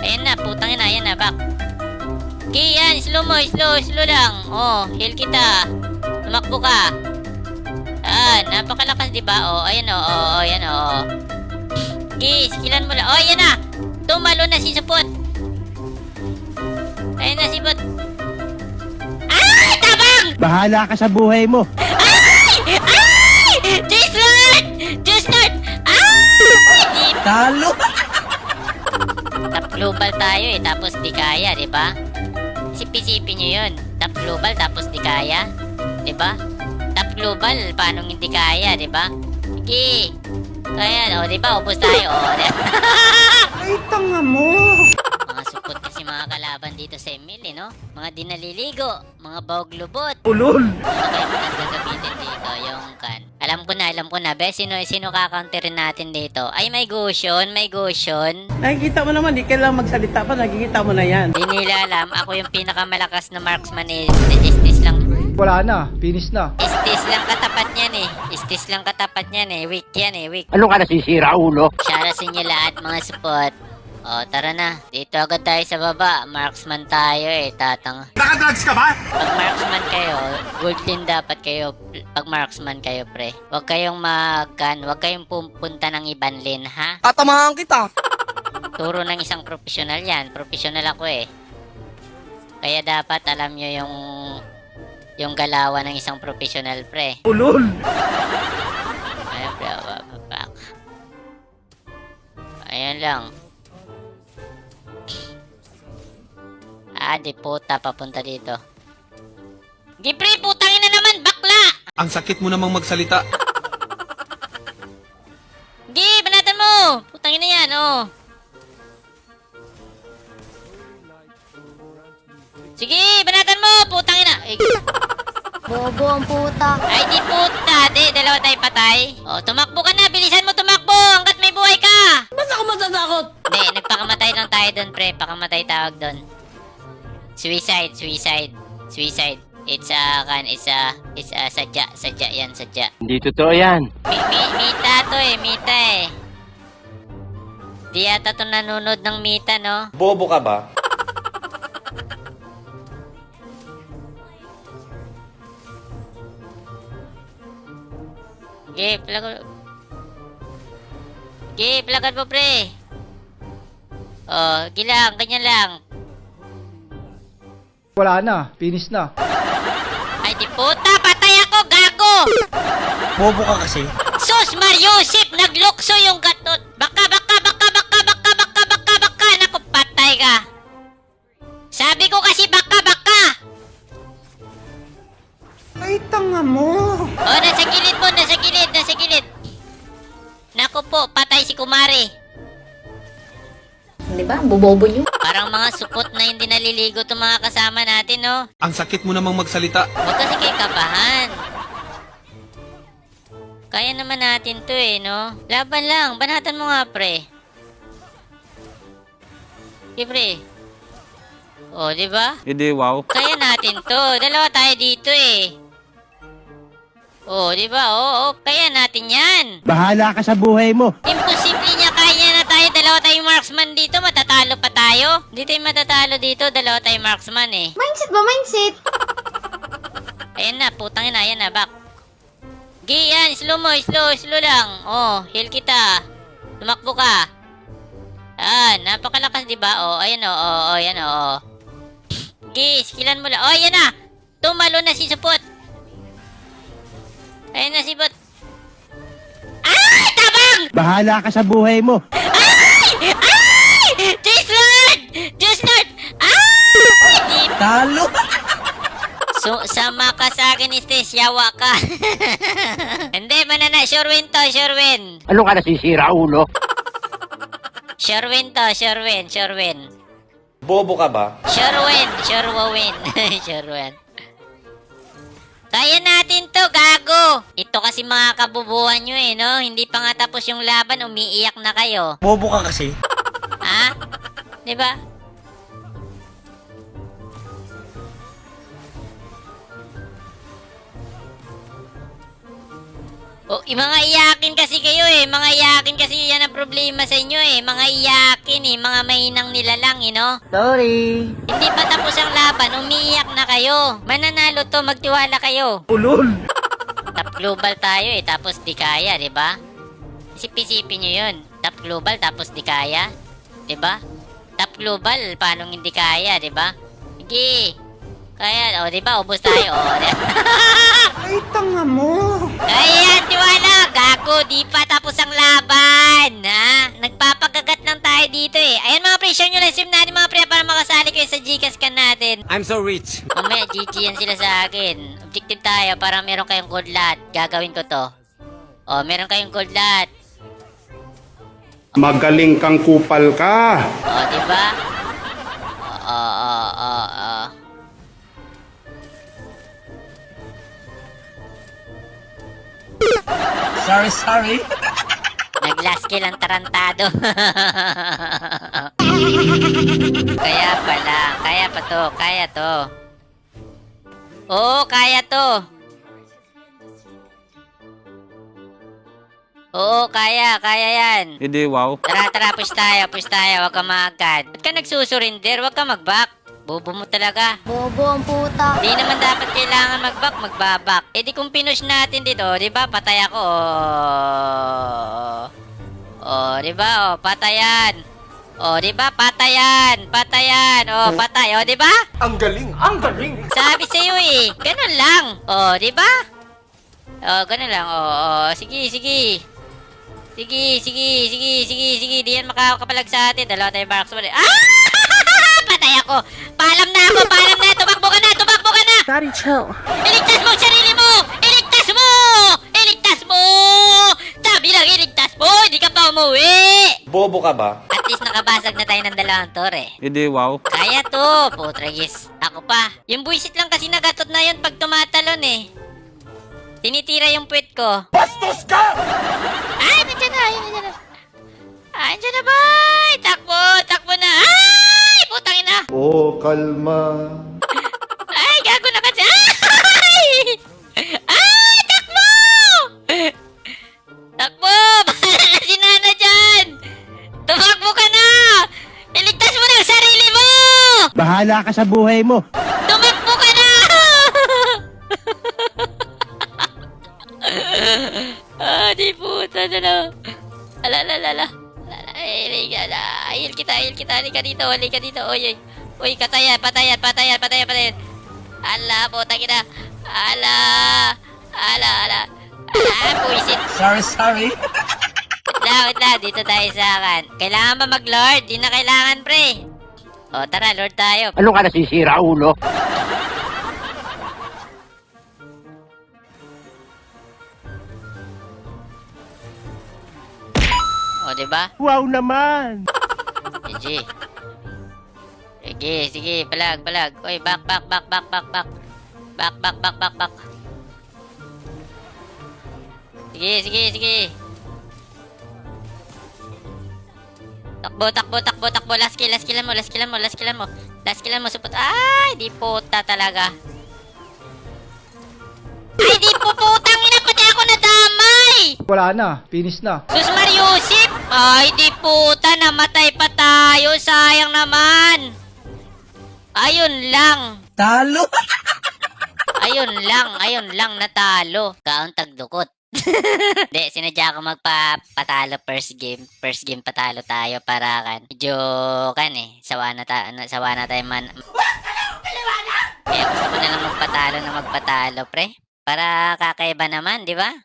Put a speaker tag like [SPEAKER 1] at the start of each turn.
[SPEAKER 1] Ayan na, putang ina, ayan na, back. Okay, yan, slow mo, slow lang. Oh, heal kita. Tumakbo ka. Napakalakas, diba? Oh, ayan oh, ayan oh. Okay, skillan mo lang. Oh, ayan na. Tumalo na si Supot. Ayan na si Supot. Ay, tabang!
[SPEAKER 2] Bahala ka sa buhay mo.
[SPEAKER 1] Ay! Diyos Lord! Diyos Lord! Ay!
[SPEAKER 2] Talo!
[SPEAKER 1] Top global tayo tapos di kaya, di ba? Isipin nyo yun. Top global tapos di kaya. Di ba? Top global, paano hindi kaya, di ba? Sige. Kaya, di ba? Ubus tayo,
[SPEAKER 2] Ay, tanga mo!
[SPEAKER 1] Mga supot kasi mga kalaban dito sa Emil, no? Mga di naliligo, mga bawag lubot.
[SPEAKER 2] Ulol!
[SPEAKER 1] Kaya magandang gamitin dito, yung kan. Alam ko na, be, sino kaka-counterin natin dito? Ay, may Goshen.
[SPEAKER 2] Nakikita mo naman, di kailangan magsalita pa, nakikita mo na yan.
[SPEAKER 1] Di nila alam, ako yung pinakamalakas na marksman Estes lang.
[SPEAKER 2] Wala na, finish na.
[SPEAKER 1] Estes lang katapat niyan eh. Weak yan eh, weak.
[SPEAKER 2] Ano ka nasisira, ulo?
[SPEAKER 1] Shara sa inyo lahat, mga support. O, tara na. Dito agad tayo sa baba. Marksman tayo eh, tatang.
[SPEAKER 3] Nakadrugs ka ba?
[SPEAKER 1] Pag marksman kayo, gold din dapat kayo. Pag marksman kayo, pre. Huwag kayong huwag kayong pupunta ng ibang lane, ha?
[SPEAKER 4] Tatamahan kita.
[SPEAKER 1] Turo ng isang profesional yan. Profesional ako eh. Kaya dapat alam nyo yung galawan ng isang profesional, pre.
[SPEAKER 2] Ulol!
[SPEAKER 1] Ayun, pre. Back. Ayun lang. Di puta, papunta dito. Gipre, putangin na naman, bakla!
[SPEAKER 3] Ang sakit mo namang magsalita.
[SPEAKER 1] Gi, banatan mo! Putangin na yan, oh. Sige, banatan mo! Putangin na!
[SPEAKER 5] Bobo ang puta.
[SPEAKER 1] Ay, di puta! Di, dalawa tayo patay. Oh, tumakbo ka na! Bilisan mo tumakbo! Hanggat may buhay ka!
[SPEAKER 4] Ba't ako matatakot?
[SPEAKER 1] Di, nagpakamatay lang tayo doon, pre. Pakamatay tawag doon. Suicide. It's sadya yan.
[SPEAKER 2] Hindi totoo yan.
[SPEAKER 1] Mita to eh, mita eh. Di yata to nanonood ng mita, no?
[SPEAKER 3] Bobo ka ba? Plagan mo, pre. Oh, gilang, ganyan lang.
[SPEAKER 2] Wala na, finish na.
[SPEAKER 1] Ay, di puta, patay ako, gago!
[SPEAKER 4] Bobo ka kasi.
[SPEAKER 1] Sus, Mariusip, naglukso yung gatot. Baka. Naku, patay ka. Sabi ko kasi baka.
[SPEAKER 2] Ay, tanga mo!
[SPEAKER 1] Oh, nasa gilid. Naku po, patay si Kumari.
[SPEAKER 5] Di ba? Bobobo nyo.
[SPEAKER 1] Parang mga supot na hindi naliligo itong mga kasama natin, no?
[SPEAKER 3] Ang sakit mo namang magsalita.
[SPEAKER 1] Huwag kasi kayo kabahan. Kaya naman natin to eh, no? Laban lang. Banatan mo nga, pre. Okay, pre. Oh, di ba?
[SPEAKER 4] Hindi, wow.
[SPEAKER 1] Kaya natin to. Dalawa tayo dito eh. Oh, di ba? Oo, kaya natin yan.
[SPEAKER 2] Bahala ka sa buhay mo.
[SPEAKER 1] Imposible niya, kaya na tayo. Dalawa tayong marksman dito. Matatalo pa tayo. Hindi tayo matatalo dito. Dalawa tayong marksman eh.
[SPEAKER 5] Mindset ba? Mindset?
[SPEAKER 1] Ayan na, putang ina, ayan na, back. Okay, yan, slow mo, slow lang. Oh, heal kita. Tumakbo ka. Napakalakas, di ba? Oh, ayan oh, ayan oh. Okay, skillan mo lang. Oh, ayan na. Tumalo na si Supot. Ayan na si Bot. Ay, tabang!
[SPEAKER 2] Bahala ka sa buhay mo.
[SPEAKER 1] Ay! Diyos Lord! Ay!
[SPEAKER 2] Talo!
[SPEAKER 1] So, sama ka sa akin, Estes. Yawa ka. Hindi, manana. Sure win to, sure win.
[SPEAKER 2] Ano ka nasisira, ulo?
[SPEAKER 1] Sure win to, sure win.
[SPEAKER 3] Bobo ka ba?
[SPEAKER 1] Sure win. Sure win. Kaya natin to, gago. Ito kasi mga kabubuhan nyo eh, no? Hindi pa nga tapos yung laban, umiiyak na kayo.
[SPEAKER 4] Bobo ka kasi.
[SPEAKER 1] Ha? Diba? O, mga iyakin kasi kayo eh. Mga iyakin kasi yan ang problema sa inyo eh. Mga iyakin eh. Mga mahinang nilalang eh, no?
[SPEAKER 2] Sorry.
[SPEAKER 1] Hindi pa tapos ang laban. Umiiyak na kayo. Mananalo to. Magtiwala kayo.
[SPEAKER 4] Ulol.
[SPEAKER 1] Top global tayo eh. Tapos di kaya, di ba? Isip-isipin nyo yun. Top global tapos di kaya. Di ba? Top global. Paano hindi kaya, di ba? Sige. Kaya, o, di ba? Ubus tayo. O,
[SPEAKER 4] Ay, tanga mo.
[SPEAKER 1] Ayan, tiwala. Gago, di pa tapos ang laban. Ha? Nagpapagagat lang tayo dito eh. Ayan mga pre, share nyo lang stream natin mga pre para makasali kayo sa Gcash ka natin.
[SPEAKER 4] I'm so rich.
[SPEAKER 1] Mamaya, GG yan sila sa akin. Objective tayo para meron kayong gold lot. Gagawin ko to. O, meron kayong gold lot.
[SPEAKER 6] Magaling kang kupal ka.
[SPEAKER 1] O, di ba? O.
[SPEAKER 4] Sorry.
[SPEAKER 1] Nag-last kill ang tarantado. Kaya pala. Kaya pa to. Kaya to. Oo, kaya to. Oo, kaya. Kaya yan.
[SPEAKER 3] Hindi, wow.
[SPEAKER 1] Tara, push tayo. Huwag ka maagad. Ba't ka nagsusurinder? Huwag ka mag-back. Bobo mo talaga.
[SPEAKER 5] Bobo ang puta.
[SPEAKER 1] Di naman dapat kailangan mag-back, magbabak. Eh di kung pinush natin dito, di ba? Patay ako. Di ba? Patayan. Di ba? Patayan. Patay. Di ba?
[SPEAKER 4] Ang galing.
[SPEAKER 1] Sabi sa iyo eh. Ganun lang. Di ba? Ganun lang. Sige. Sige. Di yan makakapalag sa atin. Dalawa tayo barracks mo. Patay ako. Paalam na. Tumakbo ka na.
[SPEAKER 2] Daddy, chill.
[SPEAKER 1] Iligtas mo ang sarili mo! Iligtas mo! Sabi lang, iligtas mo! Hindi ka pa umuwi!
[SPEAKER 3] Bobo ka ba?
[SPEAKER 1] At least nakabasag na tayo ng dalawang tore.
[SPEAKER 3] Hindi, wow.
[SPEAKER 1] Kaya to, putragis. Ako pa. Yung buisit lang kasi nagatot na yun pag tumatalon eh. Tinitira yung puwet ko. Bastos ka! Ay, nandiyan na. Nandiyan na, boy! Takbo na. Ay, putang ina!
[SPEAKER 6] Oh, kalma.
[SPEAKER 1] Ay, gago na kasi. Ay, takbo! Bahala na si Nana dyan! Tumakbo ka na! Iligtas mo na ang sarili mo!
[SPEAKER 4] Bahala ka sa buhay mo.
[SPEAKER 1] Tumakbo ka na! Di puta na lang. Alala. Hil kita. Halika dito. Uy, patayan. Ala, putang ina. Ala. Puisit.
[SPEAKER 4] Sorry.
[SPEAKER 1] Wait lang. Dito tayo sa akin. Kailangan ba mag-lord? Di na kailangan, pre. Tara, lord tayo.
[SPEAKER 4] Ano ka nasisira, ulo?
[SPEAKER 1] Diba?
[SPEAKER 4] Wow naman.
[SPEAKER 1] GG. Sige. Balag. Uy, back. Back. Sige. Takbo. Last kill mo. Supot. Ay, di puta talaga. Ay, di po putang ina. Pati ako nadamay.
[SPEAKER 4] Wala na. Finish na.
[SPEAKER 1] Sus Mariusip! Ay, di puta, namatay pa tayo. Sayang naman. Ayun lang.
[SPEAKER 4] Talo.
[SPEAKER 1] Ayun lang, natalo. Kaon tagdukot. Hindi, sinadya ko magpapatalo first game. First game patalo tayo para kan. Medyo sawa na tayo man. Kaya gusto ko na lang magpatalo pre. Para kakaiba naman, di ba?